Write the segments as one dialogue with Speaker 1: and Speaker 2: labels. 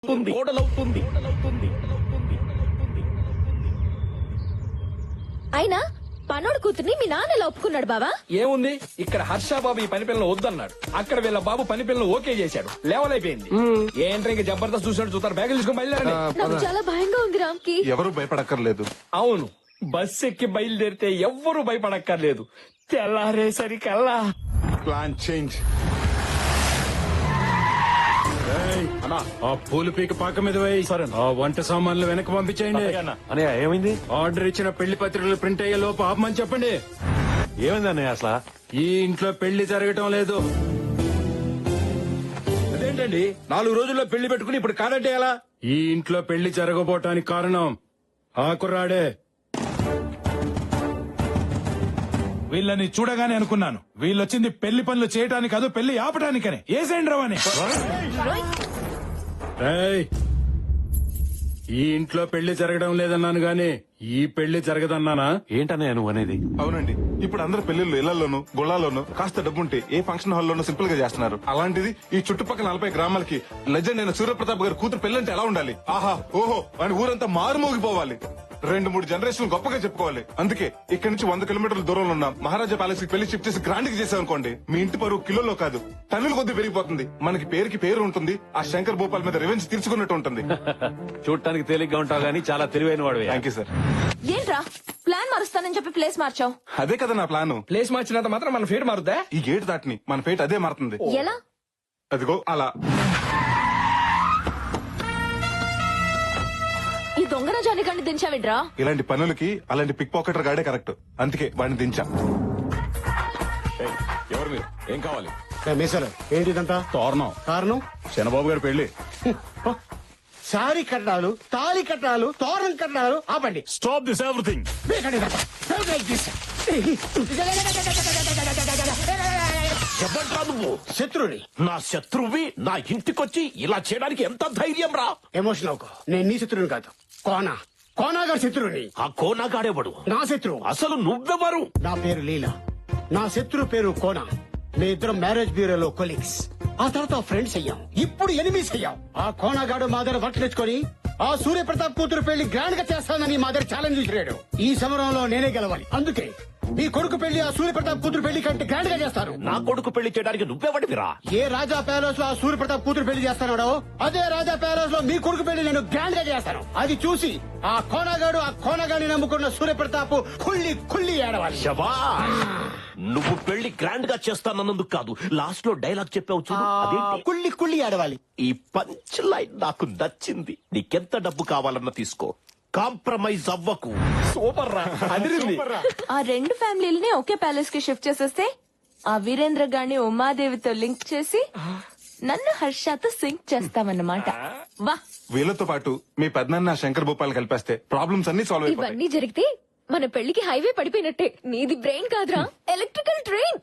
Speaker 1: అయినా పనోడు కూతుర్ని మీ నాన్న ఎలా ఒప్పుకున్నాడు బావా?
Speaker 2: ఏముంది, ఇక్కడ హర్ష బాబు ఈ పని పిల్లలు వద్దన్నాడు, అక్కడ వీళ్ళ బాబు పని పిల్లలు ఓకే చేశాడు, లెవెల్ అయిపోయింది. ఏంట్రా ఇంకా జబర్దస్త్ చూసినట్టు చూస్తారు, బ్యాగులు తీసుకుని బయలుదేరండి.
Speaker 1: నాకు చాలా భయంగా ఉంది రామ్కి.
Speaker 3: ఎవరు భయపడక్కర్లేదు.
Speaker 2: అవును, బస్ ఎక్కి బయలుదేరితే ఎవ్వరూ భయపడక్కర్లేదు. తెల్లారేసరికల్లా
Speaker 3: ప్లాన్ చేంజ్.
Speaker 4: ఆ పూలు పీక పాక మీద వేయి. ఆ వంట సామాన్లు వెనక్కి పంపించేయండి.
Speaker 5: అన్నయ్య ఏమైంది?
Speaker 4: ఆర్డర్ ఇచ్చిన పెళ్లి పత్రికలు ప్రింట్ అయ్యే లోపు ఆపమని చెప్పండి.
Speaker 5: ఏమైంది అన్నయ్య అసలు?
Speaker 4: ఈ ఇంట్లో పెళ్లి జరగటం లేదు.
Speaker 2: అదేంటండి 4 రోజుల్లో పెళ్లి పెట్టుకుని ఇప్పుడు కాదంటే ఎలా?
Speaker 4: ఈ ఇంట్లో పెళ్లి జరగబోటానికి కారణం ఆ కుర్రాడే.
Speaker 6: వీళ్ళని చూడగానే అనుకున్నాను, వీళ్ళొచ్చింది పెళ్లి పనులు చేయటానికి కాదు, పెళ్లి ఆపటానికనే. ఏసేండి రావని.
Speaker 4: రేయ్, ఈ ఇంట్లో పెళ్లి జరగడం లేదన్నాను గాని ఈ పెళ్లి జరగదన్నానా?
Speaker 5: ఏంటన్నయ్య నువ్వు అనేది?
Speaker 3: అవునండి, ఇప్పుడు అందరు పెళ్లిళ్ళు ఇళ్లలోను గుళ్ళాల్లోనూ కాస్త డబ్బుంటే ఏ ఫంక్షన్ హాల్లోనూ సింపుల్ గా చేస్తున్నారు. అలాంటిది ఈ చుట్టుపక్కల 40 గ్రామాలకి లెజెండ్ అయిన సూర్యప్రతాప్ గారి కూతురు పెళ్లంటే ఎలా ఉండాలి? ఆహా ఓహో అని ఊరంతా మారుమోగిపోవాలి. 2-3 జనరేషన్ గొప్పగా చెప్పుకోవాలి. అందుకే ఇక్కడి నుంచి 100 కిలోమీటర్ల దూరంలో ఉన్న మహారాజా ప్యాలెస్ కి పెళ్లి షిఫ్ట్ చేసి గ్రాండ్ కి చేసామనుకోండి, మీ ఇంటి పరువు కిలోలో కాదు టన్నుల కొద్ది పెరిగిపోతుంది. మనకి పేరుకి పేరు ఉంటుంది, ఆ శంకర్ భూపాల్ మీద రివెంజ్ తీర్చుకున్నట్టు ఉంటుంది.
Speaker 5: చూడటానికి తేలిగ్గా ఉంటావు గానీ చాలా తెలివైన వాడు.
Speaker 3: Thank you sir.
Speaker 1: ఏంట్రా ప్లాన్ మారుస్తానని చెప్పి ప్లేస్ మార్చావు?
Speaker 3: అదే కదా నా ప్లాన్.
Speaker 2: ప్లేస్ మార్చినంత మాత్రం మన ఫేట్ మారుద్దా?
Speaker 3: ఈ గేట్ దాటిని మన ఫేట్ అదే మారుతుంది.
Speaker 1: ఎలా?
Speaker 3: అదిగో అలా.
Speaker 1: ఈ దొంగ రాజానికండి దించావిడ్రా?
Speaker 3: ఇలాంటి పనులకి అలాంటి పిక్ పాకెటర్ గాడే కరెక్ట్. అందుకే వాడిని దించా.
Speaker 5: ఎవరు మీరు? ఏం కావాలి?
Speaker 7: ఏంటిదంతా?
Speaker 4: తోరణం.
Speaker 7: కారణం
Speaker 4: చంద్రబాబు గారి పెళ్లి.
Speaker 7: శారీ కట్టాలు, తాళి కట్టాలు, తోరణం కట్టాలు. ఆపండి.
Speaker 5: Stop this everything.
Speaker 8: చెప్పండి నువ్వు
Speaker 7: శత్రుని.
Speaker 8: నా శత్రువి నా ఇంటికొచ్చి ఇలా చేయడానికి ఎంత ధైర్యం రా?
Speaker 7: ఎమోషన్ అవుకో. నేను నీ శత్రువుని కాదు, కోనా గారి శత్రువుని.
Speaker 8: ఆ కోనాగాడేవాడు
Speaker 7: నా శత్రువు.
Speaker 8: అసలు నువ్వెవరు?
Speaker 7: నా పేరు లీలా, నా శత్రువు పేరు కోనా. మీ ఇద్దరం మ్యారేజ్ బ్యూరోలో కొలీగ్స్, ఆ తర్వాత ఫ్రెండ్స్ అయ్యాం, ఇప్పుడు ఎనిమీస్ అయ్యాం. ఆ కోనాగాడు మా దగ్గర వర్క్ తెచ్చుకొని ఆ సూర్యప్రతాప్ కూతురు పెళ్లి గ్రాండ్ గా చేస్తానని మా దగ్గర ఛాలెంజ్ విసిరాడు. ఈ సమరంలో నేనే గెలవాలి. అందుకే మీ కొడుకు పెళ్లి ఆ సూర్యప్రతాప్ కూతురు పెళ్లి కంటే గ్రాండ్ గా చేస్తారు.
Speaker 8: నా కొడుకు పెళ్లి చేయడానికి నువ్వెవడివిరా?
Speaker 7: ఏ రాజా ప్యాలెస్ లో ఆ సూర్యప్రతాప్ కూతురు పెళ్లి చేస్తానో అదే రాజా ప్యాలెస్ లో మీ కొడుకు పెళ్లి నేను గ్రాండ్ గా చేస్తాను. అది చూసి ఆ కోనగాడిని నమ్ముకున్న సూర్యప్రతాప్ కుళ్ళి ఏడవాలి.
Speaker 8: శభాష్. నువ్వు పెళ్లి గ్రాండ్ గా చేస్తానన్నందుకు కాదు, లాస్ట్ లో డైలాగ్ చెప్పావు చూడు, అదేంటి?
Speaker 7: కుళ్ళి ఏడవాలి.
Speaker 8: ఈ పంచ్ లైన్ నాకు నచ్చింది. నీకెంత డబ్బు కావాలన్నా తీసుకో, కాంప్రమైజ్ అవ్వకు.
Speaker 2: సూపర్ రా, అదిరింది.
Speaker 1: ఆ 2 ఫ్యామిలీలని ఒకే ప్యాలెస్ కి షిఫ్ట్ చేసేస్తే ఆ వీరేంద్ర గారిని ఉమాదేవితో లింక్ చేసి నన్ను హర్షతో సింక్ చేస్తామన్నమాట. వా.
Speaker 3: వీళ్ళతో పాటు మీ పెద్దనాన్న శంకర్ భూపాల్ కలిపేస్తే ప్రాబ్లమ్స్ అన్ని సాల్వ్ అయిపోతాయి.
Speaker 1: ఇవన్నీ జరిగితే మన పెళ్లికి హైవే పడిపోయినట్టే. నీది బ్రెయిన్ కాదురా, ఎలక్ట్రికల్ ట్రైన్.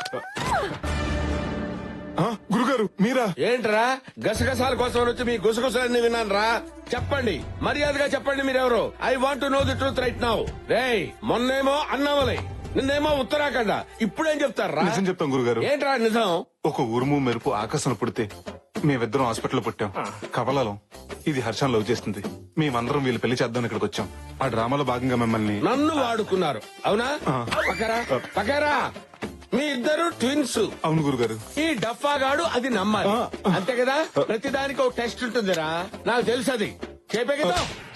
Speaker 3: గురుగారు మీరా?
Speaker 2: ఏంట్రా గసగసాల కోసం వచ్చి మీ గుసగుసలన్నీ విన్నాను రా. చెప్పండి, మర్యాదగా చెప్పండి మీరెవరు. I want to know the truth right now. రేయ్, మొన్నేమో అన్నామలై, నిన్నేమో ఉత్తరాఖండ, ఇప్పుడేం చెప్తారా?
Speaker 3: నిజం చెప్తాం గురుగారు.
Speaker 2: ఏంట్రా నిజం?
Speaker 3: ఒక ఉరుము మెరుపు ఆకాశం పుడితే మేమిద్దరం హాస్పిటల్లో పుట్టాం. కవలలం. ఇది హర్షం లవ్ చేస్తుంది. మేమందరం వీళ్ళు పెళ్లి చేద్దాం ఇక్కడికి వచ్చాం. ఆ డ్రామాలో భాగంగా మిమ్మల్ని
Speaker 2: నన్ను వాడుకున్నారు అవునా? పకరా మీ ఇద్దరు ట్విన్స్.
Speaker 3: అవును గురుగారు.
Speaker 2: ఈ డఫాగాడు అది నమ్మాలి, అంతే కదా? ప్రతిదానికి ఒక టెస్ట్ ఉంటుందిరా, నాకు తెలుసు. అది చెప్పే కదా.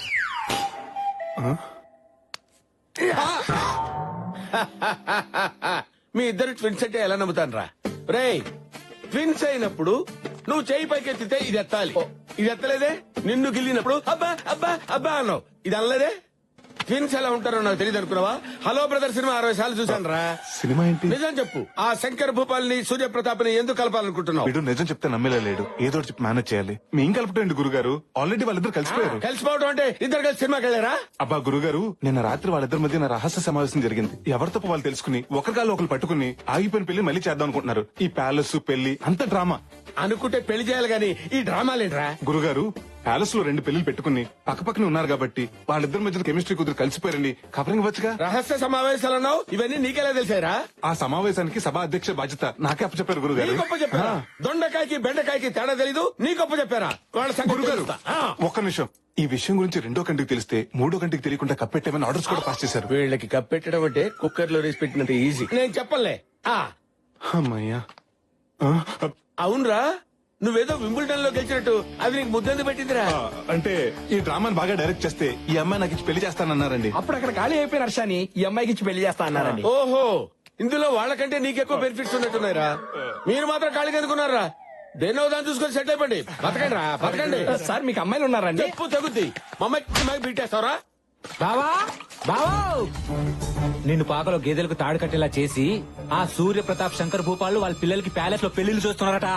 Speaker 2: మీ ఇద్దరు ట్విన్స్ అంటే ఎలా నమ్ముతాను రా? రేయ్, ట్విన్స్ అయినప్పుడు నువ్వు చేయి పైకెత్తితే ఇది ఎత్తాలి. ఇది ఎత్తలేదే? నిన్ను గిల్లినప్పుడు అబ్బా అబ్బా అబ్బా అన్నావు, ఇది అనలేదే? ట్విన్స్ ఎలా ఉంటారో నాకు తెలియదు అనుకున్నావా? హలో బ్రదర్ సినిమా 60 సార్లు చూసాను రా.
Speaker 3: సినిమా ఏంటి?
Speaker 2: నిజం చెప్పు, ఆ శంకర్ భూపాల్ ని సూర్యప్రతాప్ ని ఎందుకు కలపాలనుకుంటున్నావు?
Speaker 3: వీడు నిజం చెప్తే నమ్మేలా లేడు. ఏదో చెప్పి మేనేజ్ చేయాలి. మేం కలపటండి గురుగారు. ఆల్రెడీ వాళ్ళిద్దరు కలిసిపోయారు.
Speaker 2: కలిసిపోవడం అంటే ఇద్దరు కలిసి సినిమాకి వెళ్ళారా?
Speaker 3: అబ్బా గురుగారు, నిన్న రాత్రి వాళ్ళిద్దరి మధ్య రహస్య సమావేశం జరిగింది. ఎవరి తప్ప వాళ్ళు తెలుసుకుని ఒకరికాలు ఒకరు పట్టుకుని ఆగిపోయిన పెళ్లి మళ్ళీ చేద్దాం అనుకుంటున్నారు. ఈ ప్యాలెస్ పెళ్లి అంత డ్రామా
Speaker 2: అనుకుంటే పెళ్లి చేయాలి గాని ఈ డ్రామాలేంట్రా?
Speaker 3: గురుగారు, ప్యాలెస్ లో 2 పెళ్లిలు పెట్టుకుని పక్కపక్కనే ఉన్నారు కాబట్టి వాళ్ళిద్దరి మధ్యన కెమిస్ట్రీ కుదిరి కలిసిపోయారని కవరింగ్ వచ్చుగా.
Speaker 2: రహస్య సమావేశాలు అన్నావు, ఇవన్నీ నీకెలా తెలిసారా?
Speaker 3: ఆ సమావేశానికి సభా అధ్యక్ష బాధ్యత నాకే అప్పచెప్పారు గురుగారు.
Speaker 2: నీ గొప్ప చెప్పారా? దొండకాయకి బెండకాయకి తేడా తెలీదు, నీ గొప్ప చెప్పారా? వాళ్ళ సంగతి
Speaker 3: గురుగారు
Speaker 2: తెలుస్తా.
Speaker 3: ఒక్క నిమిషం. ఈ విషయం గురించి 2వ కంటికి తెలిస్తే 3వ కంటికి తెలియకుండా కప్పెట్టేమని ఆర్డర్స్ కూడా పాస్ చేశారు.
Speaker 2: వీళ్ళకి కప్పెట్టడం అంటే కుక్కర్ లో రేసి పెట్టినంత ఈజీ. నేను చెప్పలే.
Speaker 3: అమ్మయ్యా.
Speaker 2: అవునరా, నువ్వేదో వింబుల్టన్ లో గెలిచినట్టు అది నీకు ముద్దెందుకు పెట్టిందిరా?
Speaker 3: అంటే ఈ డ్రామాని బాగా డైరెక్ట్ చేస్తే ఈ అమ్మాయి నాకు ఇచ్చి పెళ్లి చేస్తానన్నారండి.
Speaker 9: అప్పుడు అక్కడ ఖాళీ అయిపోయిన హర్షాని ఈ అమ్మాయికి ఇచ్చి పెళ్లి చేస్తా అన్నారండి.
Speaker 2: ఓహో, ఇందులో వాళ్ళకంటే నీకెక్కువ బెనిఫిట్స్ ఉన్నట్టున్నాయిరా. మీరు మాత్రం ఖాళీగా ఎందుకున్నారా? దేనో దాన్ని చూసుకొని సెట్ అయిపోండి. బతకండి రా, బతకండి.
Speaker 9: సార్ మీకు అమ్మాయిలు ఉన్నారండి?
Speaker 2: చెప్పు తగ్గుద్ది. మమ్మకి బీటేస్తావరా?
Speaker 9: బావా బావా, నిన్ను పాకలో గేదెలకు తాడు కట్టేలా చేసి ఆ సూర్య ప్రతాప్ శంకర్ భూపాలు వాళ్ళ పిల్లలకి ప్యాలెస్ లో పెళ్లిళ్ళు చూస్తున్నారట.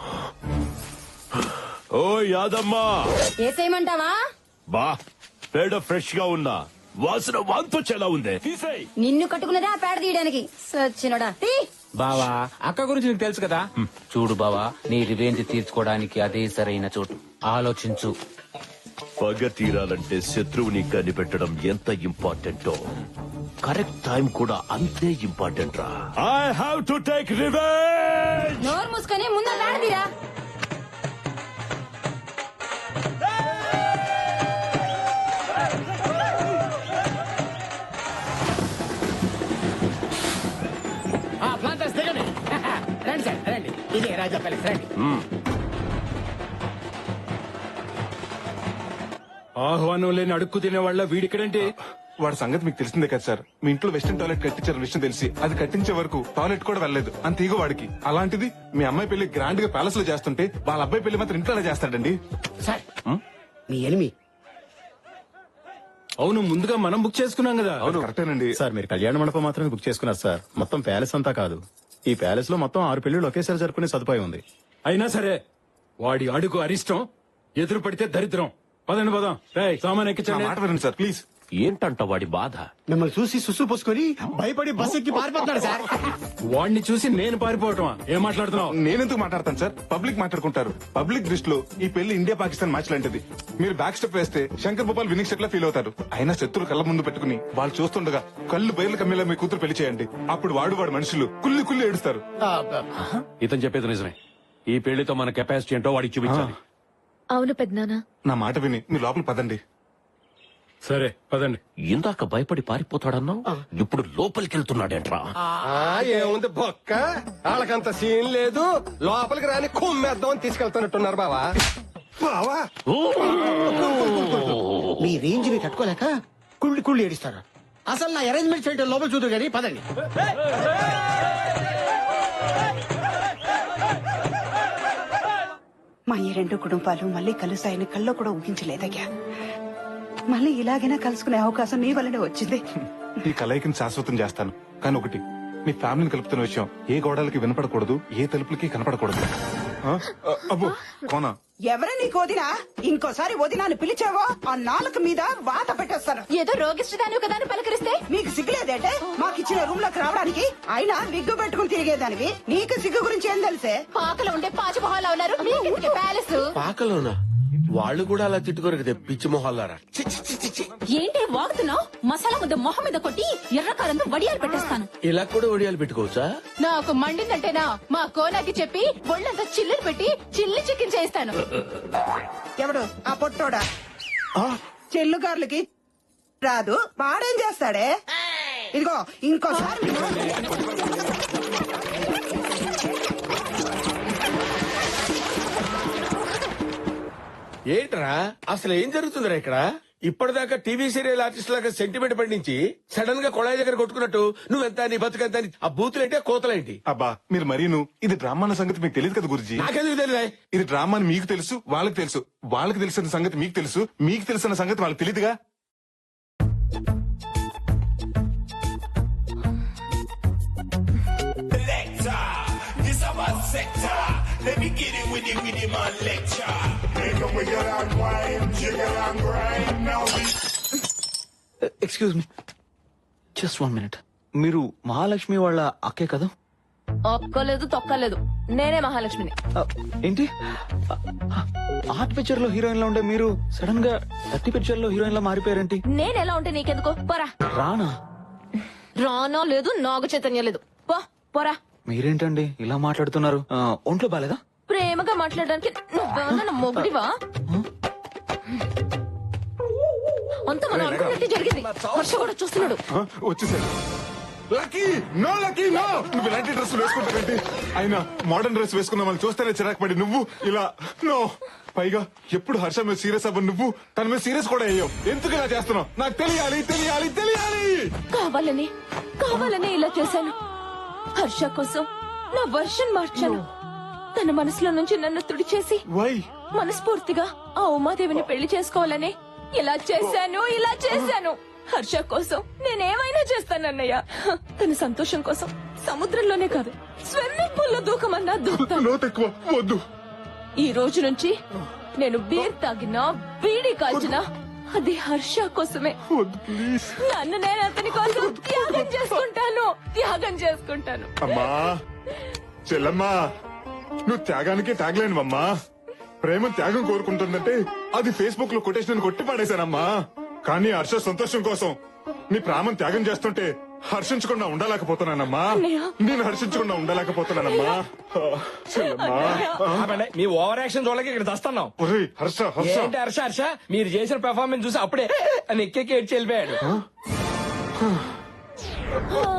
Speaker 5: ఓ యాదమ్మా,
Speaker 10: ఏసేయమంటావా?
Speaker 5: బా పేడ ఫ్రెష్ గా ఉన్నా, వాసన వాంతొచ్చేలా ఉంది. తీసేయ్.
Speaker 10: నిన్ను కట్టుకున్నదే ఆ పేడ తీయడానికి. సచ్చినోడా తీ.
Speaker 9: బావా, అక్క గురించి నీకు తెలుసు కదా. చూడు బావా, నీ రివెంజ్ తీర్చుకోవడానికి అదే సరైన చోటు. ఆలోచించు.
Speaker 8: పగ తీరాలంటే శత్రువుని కనిపెట్టడం ఎంత ఇంపార్టెంటో కరెక్ట్ టైం కూడా అంతే ఇంపార్టెంట్ రా.
Speaker 5: I have to take revenge.
Speaker 10: నోరు మూసుకొని ముందు ఆ పేడ తీరా.
Speaker 7: రండి సార్, రండి. ఇదే రాజా ప్యాలెస్, రండి.
Speaker 4: ఆహ్వానం లేని అడుక్కు తినే వాళ్ళ వీడిక్కడంటే
Speaker 3: వాడి సంగతి మీకు తెలిసిందే కదా సార్. మీ ఇంట్లో వెస్టర్న్ టాయిలెట్ కట్టించారు విషయం తెలిసి అది కట్టించే వరకు టాయిలెట్ కూడా వెళ్ళలేదు. అంత ఈగో వాడికి. అలాంటిది మీ అమ్మాయి పెళ్లి గ్రాండ్ గా ప్యాలెస్ లో చేస్తుంటే వాళ్ళ అబ్బాయి పెళ్లి మాత్రం ఇంట్లోనే చేస్తాడండి.
Speaker 7: సార్, మీ ఎనిమి.
Speaker 4: అవును, ముందుగా మనం బుక్ చేసుకున్నాం కదా.
Speaker 3: అవును కరెక్టేనండి.
Speaker 11: సార్, మీరు కళ్యాణ మండపం మాత్రమే బుక్ చేసుకున్నారు సార్. మొత్తం ప్యాలెస్ అంతా కాదు. ఈ ప్యాలెస్ లో మొత్తం 6 పెళ్లిళ్ళు ఒకేసారి జరుపుకునే సదుపాయం ఉంది.
Speaker 4: అయినా సరే వాడి అడుగు అరిష్టం, ఎదురు పడితే దరిద్రం. పదండి పదం. రేయ్, సామాన్
Speaker 3: నా
Speaker 4: ఎక్కించండి.
Speaker 3: మాట వినండి సార్ ప్లీజ్.
Speaker 8: ఏంటంట వాడి బాధ?
Speaker 7: మిమ్మల్ని చూసి సుసు పోసుకొని భయపడి బస్ ఎక్కి పారిపోతున్నాడు సార్.
Speaker 4: వాడిని చూసి నేను పారిపోవటమా? ఏం మాట్లాడుతున్నావు?
Speaker 3: నేనెందుకు మాట్లాడతాను సార్? పబ్లిక్ మాట్లాడుకుంటారు. పబ్లిక్ దృష్టిలో ఈ పెళ్లి ఇండియా పాకిస్తాన్ మ్యాచ్ లాంటిది. మీరు బ్యాక్ స్టెప్ వేస్తే శంకర్ భూపాల్ వినింగ్ స్టెప్ లా ఫీల్ అవుతారు. అయినా శత్రులు కళ్ళ ముందు పెట్టుకుని వాళ్ళు చూస్తుండగా కళ్ళు బయలు కమ్మేలా మీ కూతురు పెళ్లి చేయండి. అప్పుడు వాడు మనుషులు కుల్లి కుల్లి ఏడుస్తారు.
Speaker 5: ఇతను చెప్పేది నిజమే. ఈ పెళ్లితో మన కెపాసిటీ ఏంటో వాడికి చూపించాలి.
Speaker 1: అవును పెద్దనాన్న.
Speaker 3: నా మాట విని మీరు లోపల పదండి.
Speaker 4: సరే పదండి.
Speaker 8: ఇందాక భయపడి పారిపోతాడన్నావు, ఇప్పుడు లోపలికి వెళ్తున్నాడేంట్రా?
Speaker 9: ఏముంది బొక్క, వాళ్ళకంత సీన్ లేదు. లోపలికి రాని కుమ్మేద్దామని తీసుకెళ్తున్నట్టున్నారు బావా.
Speaker 7: బావా, మీ రేంజ్ ని తట్టుకోలేక కుళ్ళి కుళ్ళి ఏడిస్తారు. అసలు నా అరేంజ్మెంట్ చేయడం లోపల చూద్దరు కానీ పదండి.
Speaker 12: మా ఈ 2 కుటుంబాలు మళ్ళీ కలుసాయని కల్లో కూడా ఊహించలేదయ్యా. మళ్ళీ ఇలాగైనా కలుసుకునే అవకాశం నీ వల్లనే వచ్చింది.
Speaker 3: ఈ కలయికని శాశ్వతం చేస్తాను. కానీ ఒకటి, మీ ఫ్యామిలీని కలుపుతున్న విషయం ఏ గోడలకి వినపడకూడదు, ఏ తలుపులకి కనపడకూడదు. అబ్బో కోనా,
Speaker 12: ఎవరే నీకు వదినా? ఇంకోసారి వదినాన్ని పిలిచావో ఆ నాలుక మీద వాత పెట్టేస్తాను.
Speaker 10: ఏదో రోగిష్టిదాని కదా అని పలకరిస్తే
Speaker 12: నీకు సిగ్గులేదేటే మాకిచ్చిన రూమ్ లోకి రావడానికి? అయినా విగ్గు పెట్టుకుని తిరిగేదానివి, నీకు సిగ్గు గురించి ఏం తెలిసే?
Speaker 10: పాకలో ఉండే పాచి మొహాల్లో ఉన్నారు. మీకెందుకే ప్యాలెస్?
Speaker 2: పాకలోనా? వాళ్ళు కూడా అలా తిట్టుకోరు కదా పిచ్చి మొహాలారా.
Speaker 10: ఏంటి వాగుతున్నావు? మసాలా ముద్ద మొహం మీద కొట్టి ఎర్రకారంతో వడియాలు పెట్టేస్తాను.
Speaker 2: ఇలా కూడా ఒడియాలు పెట్టుకోవచ్చా?
Speaker 10: నాకు మండిందంటేనా మా కోనాకి చెప్పి ఒళ్ళంతా చిల్లులు పెట్టి చిల్లి చికెన్ చేస్తాను.
Speaker 12: ఎవడు ఆ పొట్టోడా? చెల్లుగార్లకి రాదు, వాడేం చేస్తాడే? ఇదిగో ఇంకోసారి
Speaker 2: ఏంట్రా అసలు ఏం జరుగుతుందిరా ఇక్కడ? ఇప్పటిదాకా టీవీ సీరియల్ ఆర్టిస్ట్ లాగా సెంటిమెంట్ పండించి సడన్ గా కొళాయి దగ్గర కొట్టుకున్నట్టు నువ్వెంత నీ బతుకంత ఆ బూతులేంటే కోతలేంటి?
Speaker 3: అబ్బా మీరు మరీను. ఇది డ్రామా అన్న సంగతి మీకు తెలియదు కదా గురుజీ.
Speaker 2: నాకెందుకు తెలియదా?
Speaker 3: ఇది డ్రామా అని మీకు తెలుసు, వాళ్ళకి తెలుసు. వాళ్ళకి తెలిసిన సంగతి మీకు తెలుసు, మీకు తెలిసిన సంగతి వాళ్ళకి తెలియదుగా.
Speaker 9: Excuse me, just 1 minute. మీరు మహాలక్ష్మి వాళ్ళ అక్కే కదా?
Speaker 1: ఒక్కలేదు తొక్కలేదు, నేనే మహాలక్ష్మిని.
Speaker 13: ఏంటి ఆర్ట్ పిక్చర్ లో హీరోయిన్ లో ఉండే మీరు సడన్ గా 30 పిక్చర్ లో హీరోయిన్ లో మారిపోయారేంటి?
Speaker 1: నేను ఎలా ఉంటే నీకెందుకు? పోరా.
Speaker 13: రానా?
Speaker 1: రానో లేదు, నాగ చైతన్య లేదు. పోరా.
Speaker 13: మీరేంటండి ఇలా మాట్లాడుతున్నారు? ఒంట్లో బాలేదా?
Speaker 1: ప్రేమగా మాట్లాడడానికి నువ్వేమన్నా మొగుడివా? అంత మనం అనుకున్నట్టు జరిగింది. హర్ష కూడా చూస్తున్నాడు.
Speaker 3: వచ్చేసాడు. లక్కీ నో లక్కీ నో, నువ్వు ఇలాంటి డ్రెస్ వేసుకుంటావేంటి? అయినా మోడర్న్ డ్రెస్ వేసుకున్నా మనం చూస్తేనే చిరాకు పడి నువ్వు ఇలా నో. పైగా ఎప్పుడు హర్ష మీద సీరియస్ అవ్వ నువ్వు తన మీద సీరియస్ కూడా అయ్యావు. ఎందుకు ఇలా చేస్తున్నావు? నాకు తెలియాలి తెలియాలి తెలియాలి.
Speaker 1: కావాలని ఇలా చేశాను. హర్ష కోసం నా వర్షన్ మార్చాను. తన మనసులో నుంచి నన్ను తుడిచేసి
Speaker 3: వై
Speaker 1: మనస్ఫూర్తిగా ఆ ఉమాదేవిని పెళ్లి చేసుకోవాలని ఇలా చేశాను. హర్ష కోసం నేనేమైనా చేస్తానన్నయ్య. తన సంతోషం కోసం సముద్రంలోనే కాదు, స్విమ్మింగ్ పూల్ లో దూకమన్నా దూకుతాను.
Speaker 3: వద్దు.
Speaker 1: ఈ రోజు నుంచి నేను బీర్ తాగినా, బీడీ కాల్చినా అది హర్ష కోసమే. నన్ను నేను అతని కోసం త్యాగం చేసుకుంటాను.
Speaker 3: అమ్మా చెల్లమ్మా, నువ్వు త్యాగానికి త్యాగలేనువమ్మా. ప్రేమ త్యాగం కోరుకుంటుందంటే అది ఫేస్బుక్ లో కొటేషన్ కొట్టి పాడేశానమ్మా. కానీ హర్ష సంతోషం కోసం నీ ప్రాణం త్యాగం చేస్తుంటే హర్షించకుండా ఉండలేకపోతున్నానమ్మా. నేను హర్షించకుండా ఉండలేకపోతున్నానమ్మా.
Speaker 14: మీ ఓవర్ యాక్షన్ చూడలేక ఇక్కడ దస్తున్నాం.
Speaker 3: హర్ష హర్ష
Speaker 14: ఏంటి హర్ష హర్ష, మీరు చేసిన పెర్ఫార్మెన్స్ చూసి అప్పుడే అని ఎక్కేకి ఏడ్చి వెళ్ళిపోయాడు.